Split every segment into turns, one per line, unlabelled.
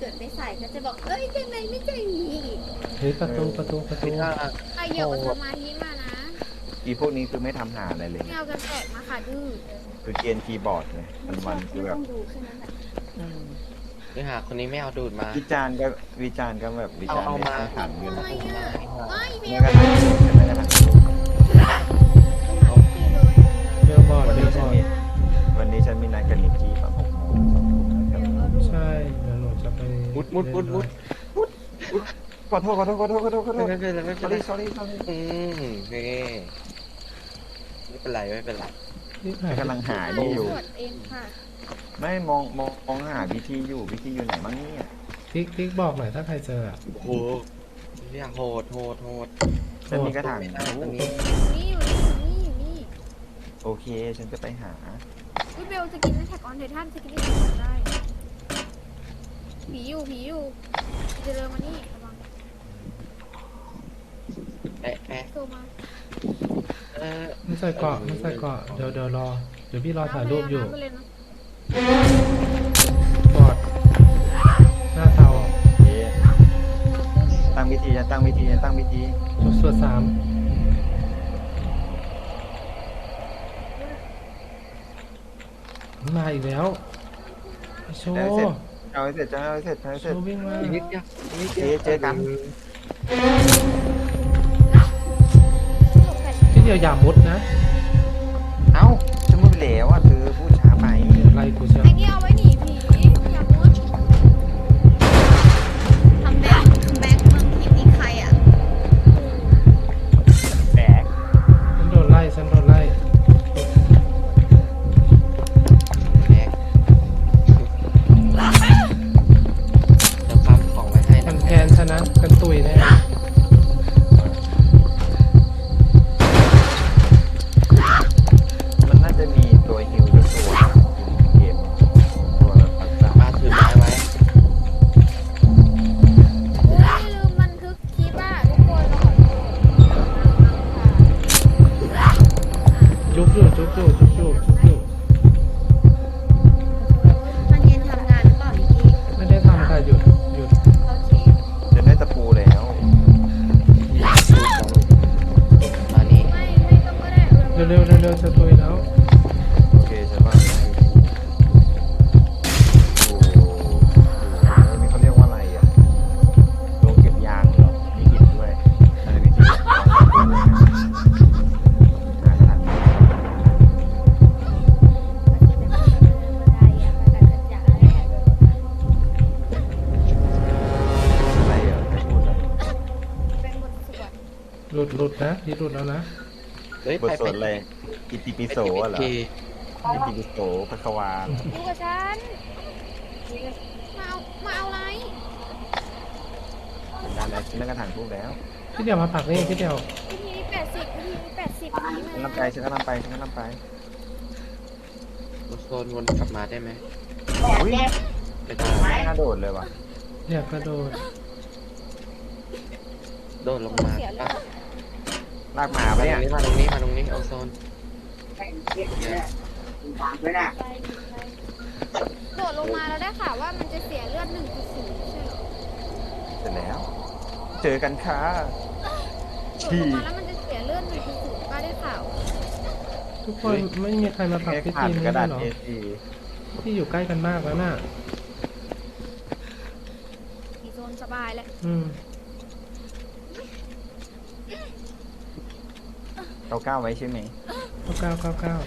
เกิดไม่ใส่ก็จะบอกเอ้ยทำไมไม่ใจดีอีก
เฮ้ยประตู
ถ้า
ใครเหยียบสมาธิมานะ
อีพวกนี้คือไม่ทำหาอะไรเลย
ไม่เอากันแตกมาค่ะดื้อ
คือเกณฑ์คีย์บอร์ดเลยวันๆคือแบบ
ต้องดูแค่นั้นแหละ
เนื้อหาคนนี้ไม่เอาดูดมา
วิจารณ์ก็แบบวิจารณ์
เอา
ไม่
มา
สร้างสรรค์กัน
ไม่อะไม่เบ
แม้
ล
กระทั่งแม้กระทั่ง
เบลบอร์ด
วัน
เบล
นี้
บ
ฉั
อน ร์ด
มีวันนี้ฉันมีนัดกับนิกกี้ตอน6 โมง 2 ทุ่มนะครับ
ใช่เดี๋ยวหนูจะไป
มุด
ขอโทษ
ไม่เป็นไรไม่เป็นไร
sorry
นี่ไม่เป็นไรไม่เป็นไร
นี่หาย
กำลังหานี่อยู่
ตรวจเองค่ะ
ไม่มองหาวิธีอยู่ไหนบ้างเนี่ย
ติ๊กบอกหน่อยถ้าใครเจออะ
โอ้โหเนี่ยโหด
ฉันมีกระถาง
ไม่ได้ตรง
อ
นี้
ยู่นี่
โอเค ฉันจะไปหา
พี่เบลจะกินแท็กออนไททันจะกินได้ได้ผีอยู่จะเดินมานี่ระวัง
แปะ
โซมา
ไม่ใส่เกาะเดี๋ยวรอเดี๋ยวพี่รอถ่ายรูปอยู่
น้ำไปเลยนะ
บอร์ดหน้าเตา
โอเคตั้งวิธีฉันตั้งวิธี
ส่วนสามมาอีกแล้วไอ้โชว์
เอาให้เสร็จ
โชว์วิ่งมา
อีกนิดเดียว
เจอกัน
ที่เดียวอย่ามุดนะ
เอ้าฉันพูดไปแล้วอ่ะเธอพูดช้าไป
ไล่กูเชียว
ไอ้นี่เอาไว้หนีผีอย่ามุดทำแบงค์เมืองผีนี่ใครอ่ะ
แบก
ฉันโดนไล่
แบกจะปั๊มของไว้ให้
มั
นะ
นแทนชนะกันตุยแน่
มันน่าจะมีตัวฮิวด้วยตัวเกมตัวแบบปักษา
ป้าถือไม้ไว้
ไม่ลืมบันทึกคลิปอ่ะทุกคนเราขอโทษ
จุกอยู่
มันเย็นทำงานหรือเปล่านิกกี้
ไม่ได้ทำค่ะหยุด
โอเค
จะได้ตะปูแล้ว
มานี่
ไม่ต้องก็ได้
เร็วจะตุยแล้ว
โอเคฉันว่าไม่นี่เขาเรียกว่าอะไรอ่ะโรงเก็บยางเหรอมีหินด้วยอะไรวิธีอะไรอ่ะไม่พูดอ่ะ
เป็นบทสวด
หลุดนะพี่หลุดแล้วนะ
เฮ้ย
บทสวดอะไรอิติปิโสเหรออิติปิโสพระควา
อยู่กับฉันมาเอาอะไร
การอะไรฉันได้กระถางทูบแล้ว
พี่เดียวมาผักนี่พี่เดียว
วิธีนี้80วิธีนี้80นี้
ฉัน
มา
ฉันก็นำไป
โซนวนกลับมาได้ไหม
อุ้ย
ไม่ได้
ไม่น่าโดดเลยว่ะ
อยากกระโดด
โดดลงมาป้า
ลากหมา
มา
ไป
ตร
เนี่ย
งนี้เอาโซน
โดดลงมาแล้วได้ข่าวว่ามันจะเสียเลือด1.0ใช่เหรอ
เสร็จแล้ว เจอกันค่ะ
โดดลงมาแล้วมันจะเสียเลือด1.0ป้าได้ข่าว
ทุกคนไม่มีใครมาผัก
แค่
พี่
ขาด
จีน
กระ
ได้
ดาษ
หรอ
A4
พี่อยู่ใกล้กันมากแล้วน่ะ
มีโซนสบายแล้ว
ก้าวไว้ใช่ไหม
เก้า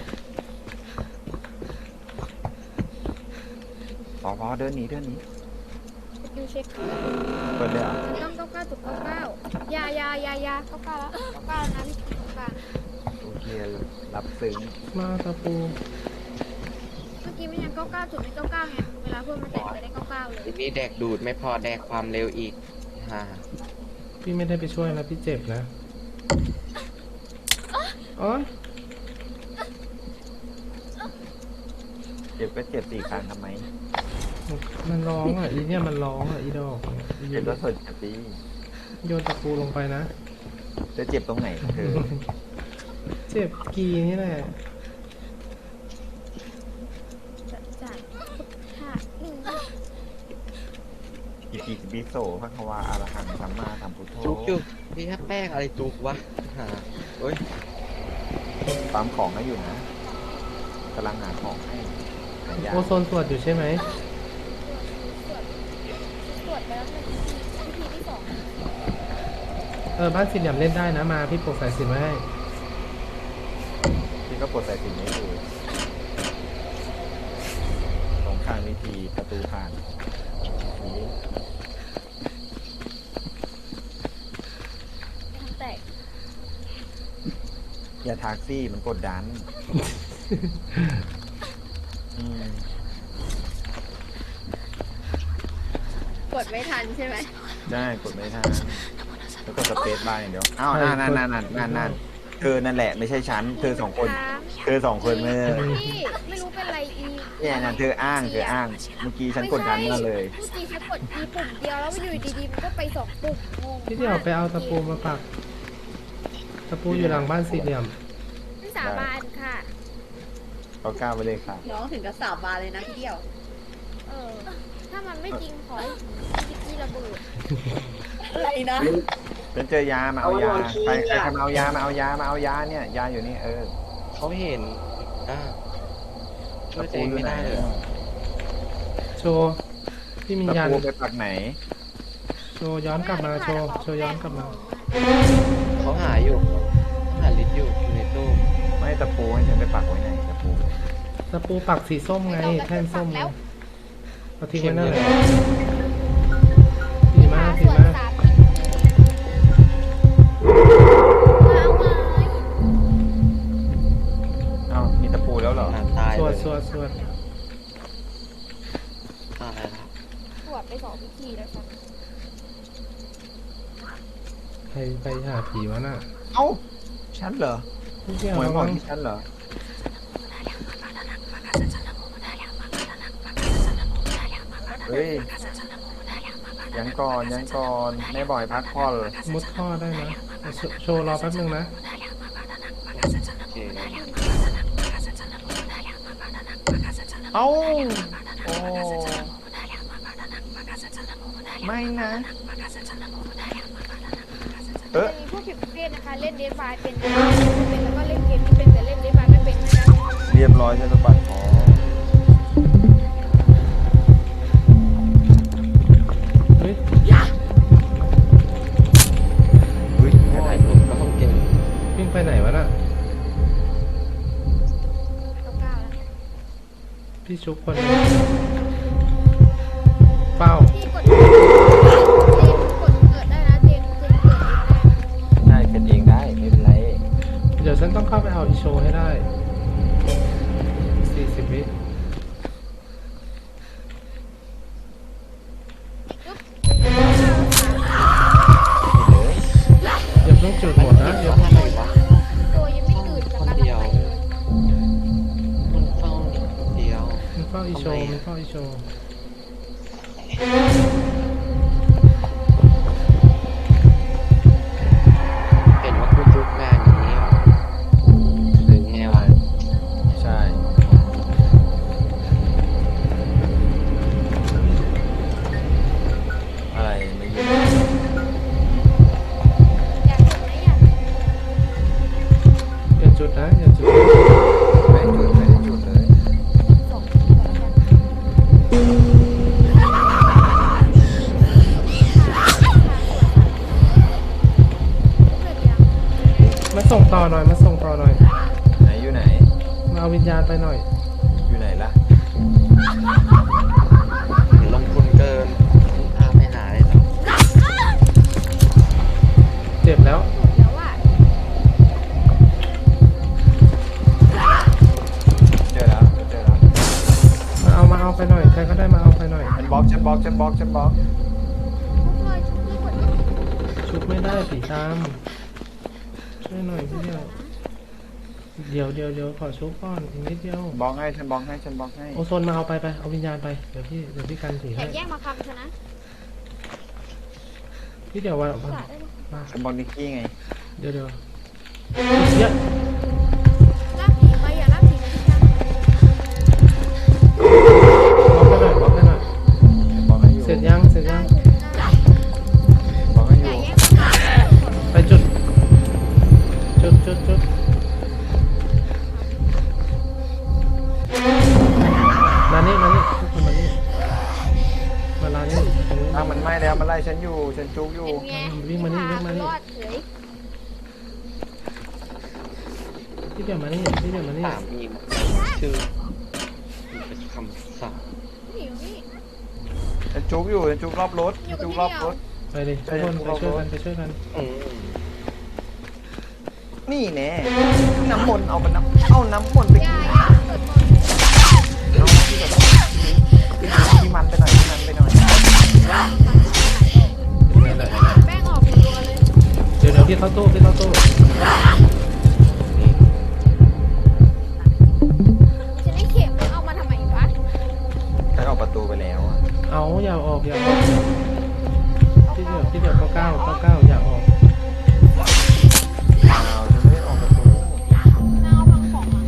พอเดินหนี
ดูเช็ค
เปิดเลยเหรอ
ต้อง99.99ยา99แล้ว99นะพี่99
โอเครับซึ้ง
มาตะปู
เมื่อกี้มันยัง99.99ไงเวลาเพื่อนมาแตะจะได้99เลย
ทีนี้แดกดูดไม่พอแดกความเร็วอีกฮ่า
พี่ไม่ได้ไปช่วยนะพี่เจ็บนะอ๋อ
เจ็บก็เจ็บ4 ครั้งทำไม
มันร้องอ่ะอีเนี่ยมันร้องอ่ะอีดอก
เจ็บแล้วสดตี
โยนตะปูลงไปนะ
จะเจ็บตรงไหนเธอ
เจ็บกีนี่แหละ
จ่ายค่ะ
อิติปิโสภะคะวาอะระหังสัมมาสัมพุทโธ
จุกอยู่นี่แค่แป้งอะไรจุกวะหาเฮ้ย
ตามของให้อยู่นะกำลังหาของให้หายา
โอโซนสวดอยู่ใช่ไหม
ตรวจไปแล้วหนึ่งวิธีที่สอง
บ้านสี่เหลี่ยมเล่นได้นะมาพี่ปลูกสายสิญจน์ไว้ให้
ที่ก็ปลดสายสิญจน์นี้อยู่ตรงข้างวิธีประตูผ่านนี้
ทำแตก
อย่าทักซี่มันกดดันอืม
กดไม่ทันใช่ไหม
ได้กดไม่ทันแล้วก็สเปซบาร์อย่างเดียวอ้าวนั่นเธอนั่นแหละไม่ใช่ฉันเธอสองคนเธอสองคนเมื่อ
พี่ไม่รู้เป็นไรอี
เนี่ยนะเธออ้างเมื่อกี้ฉันกดดันมาเลย
เมื่อกี้ฉันกดอีปุ่มเดียวแล้วอยู่ดีๆมันก็ไปสองปุ่มงง
พี่เดี๋ยวไปเอาตะปูมาปักตะปูอยู่หลังบ้านสี่เหลี่ยม
ไม่สาบานค่ะ
เขากล้าไปเลยค่ะ
น้องถึงกับสาบานเลยนะพี่เดียว
ถ้ามันไม่จริงขอให้จิกกี้ระเบิด
อะไรนะ
ฉันเจอยามาเอายาใครมาเอายามาเอายาเนี่ยยาอยู่นี่
เขาเห็นอ่าช่วย
ตะ
ตัว
ปู
เอง
อยู่
ไม่
ไหน
ได้เลย
โชว์พี่มิน
ตะ
ยัน
ปูไปปักไหน
โชว์ย้อนกลับมาโชว์ย้อนกลับมา
เขาหาอยู่หาลิตอยู่ในตู้
ไม่ตะปูให้ฉันไปปักไว้ไหนตะปู
ตะปูปักสีส้มไงแท่นส้มไงเอาทิ้งไว้นั่นเลยดีมากดี
ส่วน
มาก
สามมาเอาไม้
อ้าวมีตะปูแล้วเหรอ
หาตาย
ส
เล
วด
ย
สวด
ตายแล้ว
ตรวจไปสองวิธีแล้วครับ
ใครไปหาผีวะน่ะ
เอ้าฉันเหรอ
พี่เดียว
หวย
ระ
บอ
วั
ก
ง
ที่ฉันเหรอเฮ้ยยังก่อนแม่บ่อยพักผ่อน
มุดท่อได้นะโชว์รอแป๊บนึงนะ
โอเค
เอ้าโอ้ไม่นะ
จะมีพวกผิดประเภทนะคะ เล่นเดนบายเป็นแล้วก็เล่นเกมที่เป็นแต่เล่นเดนบายไม่เป็นนะคะ
เรียบร้อยจะสะบัดคอ
เฮ้ย
อุ้ย
แค่ถ่ายรูปก็ต้องเก่ง
วิ่งไปไหนวะน่ะ
เก้าแล้ว
พี่ชุบคนนึงเป้า
พี่กดเกิดได้นะเจนเกิดเองได้
ได้เป็นเองได้ไม่เป็นไร
เดี๋ยวฉันต้องเข้าไปเอาอีโชว์ให้ได้40 วิอย่าเพิ่งจุดหมดนะอย่าเพิ่ง
อะไรวะ
ตัวยังไม่ตื่นจากการหลับไปเลย
มันเฝ้านิดเดียว
มันเฝ้าอีโชว์มันเฝ้าอีโชว์
เห็นว่าคุณจุกงานนี้หรือไงวะ
ใช่อะไรไม่ยิน
อยากเห็นไหมอยาก
อย่าจุดนะอย่าจุด
ไม่ได้จุดเลย
ส่งตัวแล้วกันเกิดยัง
มาส่งต่อหน่อยมาส่งต่อหน่อย
ไหนอยู่ไหน
มาเอาวิญญาณไปหน่อย
อยู่ไหนล่ะ
ลงทุนเกินพาไปหาเลยเนาะ
เจ็บแล้ว
สุดแล้วอ่ะ
เจอแล้วเจอแล้ว
มาเอาไปหน่อยใครก็ได้มาเอาไปหน่อย
ฉันบล็อก
พวกเลยชุบที่กดยัง
ชุบไม่ได้ผีตามช่วยหน่อยพี่เดียวเดี๋ยวขอชุบก่อนอีกนิดเดียว
บล็อกให้ฉันบล็อกให้
โอโซนมาเอาไปเอาวิญญาณไปเดี๋ยวพี่กันผี
แข่
ให้
งแย่งมาคำชนะ
พี่เดี๋ยวว่า
สาได้ไหม
มา
ฉันบล็อกนิกกี้ไง
เดี๋ยวเยอะ
ลากผีไปอย่าลากผีไปที่นั่ง
บล็อกให้หน่อย
บล็อกให้อยู่
เสร็จยัง
ได้
ถ้ามันไหม้แล้วมันไล่ฉันอยู่ฉันจุกอยู่
เป็นไง
วิ่งมานี่วิ่งมานี่
รอดเฉย
พี่เดี๋ยวมานี่พี่เดี๋ยวมานี่
สามีชื่อมันเป็นคำสั่ง
หนีนี่
ฉันจุกอยู่ฉันจุกรอบรถ
อยู่กับ
จุก
พี่
รอบ
เดียว
รถ
ไปดิทุกคนไปช่วยกันไปช่วยกัน
อืม
นี่แน่น้ำมนต์เอามันเอาน้ำมนต์ไป
อ
กิ
ย่าน อย่าเปิดก่อน
เอาที่แบบที่มันไปหน่อยที่มันไปหน่อย
นั่นแหละ
แป้งออกรัวๆเลย
เดี๋ยวพี่เข้าตู้พี่เข้าตู้
ฉันได้เข็มแล้วเอามาทำไมวะ
ฉันออกประตูไปแล้วอะ
เอาอย่าออกอย่าออกพี่เดี๋ยวเก้าอย่าออก
อ้าวฉันไม่ได้ออกประตู
น่าเอาพังของมา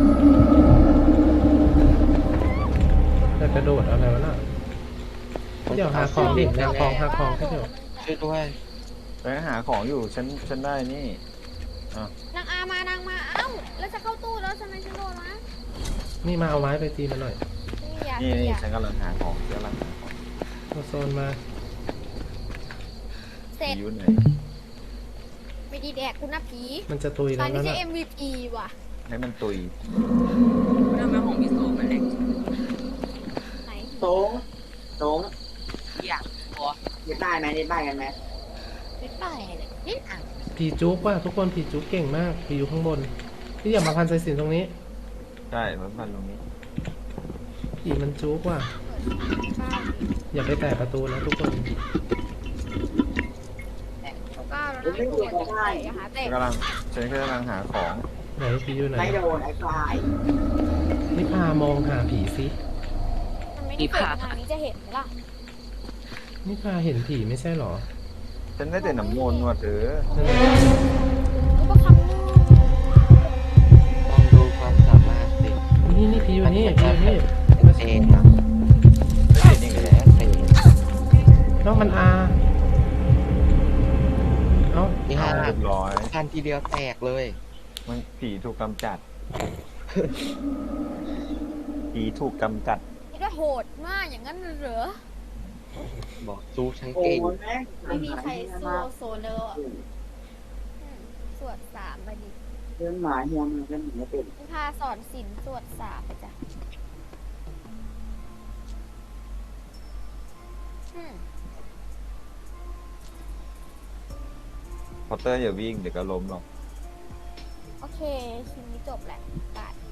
แต่กระโดดอะไรวะน่ะพี่เดี๋ยวหาของดิหาของพี่เดี๋ยว
ช่วยด้วย
ไปหาของอยู่ฉันได้นี่
นางอามานางมาเอ้าแล้วจะเข้าตู้แล้วทำไมฉันโดนวะ
นี่มาเอาไม้ไปตีมันหน่อย
ไม่อยาก
นี่
ไม่อยาก
ฉันกำลังหาของกำลังหาของ
เอาโซนมา
เสร็จ
อยู่ไหน
ไม่ดีแดกคุณนะผี
มันจะตุย
ตอ
แล้
น
ว
นี้
นั่น
ใช่
น่ะ
MVP ว่ะ
ให้มันตุย
ทำไมของพี่โซมันแหลก
ไหน
โต้งโต้งอยากพอเล่นได้ไหมเล่นได้กันไหม
ไม่ไปเลยนี่อ่ะ
ผีจุกว่ะทุกคนผีจุกเก่งมากผีอยู่ข้างบนพี่อย่ามาพันสายสิญจนตรงนี้
ใช่มันพันตรงนี้
ผีมันจุกว่ะอย่าไปแตะประตูนะทุกคน
ก้าวแล้วนะไอ้ตัวจะใส่อะหาเตะ
ฉันกำลังหาของ
ไหนผีอยู่ไหน
ไม่โดนไอ้ควาย
นี่พามองหาผีสิ
มันไม่ได้เปิดทางนี้จะเห็นไหมล่ะ
นี่พาเห็นผีไม่ใช่หรอ
ฉันได้แต่น้ำมนต์ว่ะเธอ
นั่นแหละ
รูปคำนึง
ลองดูความสามารถสิ
นี่ผีอยู่นี่ผีอยู่นี่
เองนะ
ไม่เห็นอีกแล้ว
เอง
น้องมันอาเอ้า
นี่ฮะ
เรียบร้อย
พันทีเดียวแตกเลย
มันผีถูกกำจัด ผีถูกกำจัด
นี่ก็โหดมากอย่างนั้นเหรอ
บอกสู้ฉัน
โอ้
เก่ง
ยแม่ง
ไม่มีใครสู้โซเลอร์สวดสามไปดิ
เรื่องหมาเฮียมันเล่นไม่เป็น
นิพาสอนศิลป์สวดสามไปจ้ะอืม
พอตเตอร์อย่าวิ่งเดี๋ยวก็ล้มหรอก
โอเคชิ้นนี้จบแหละบาท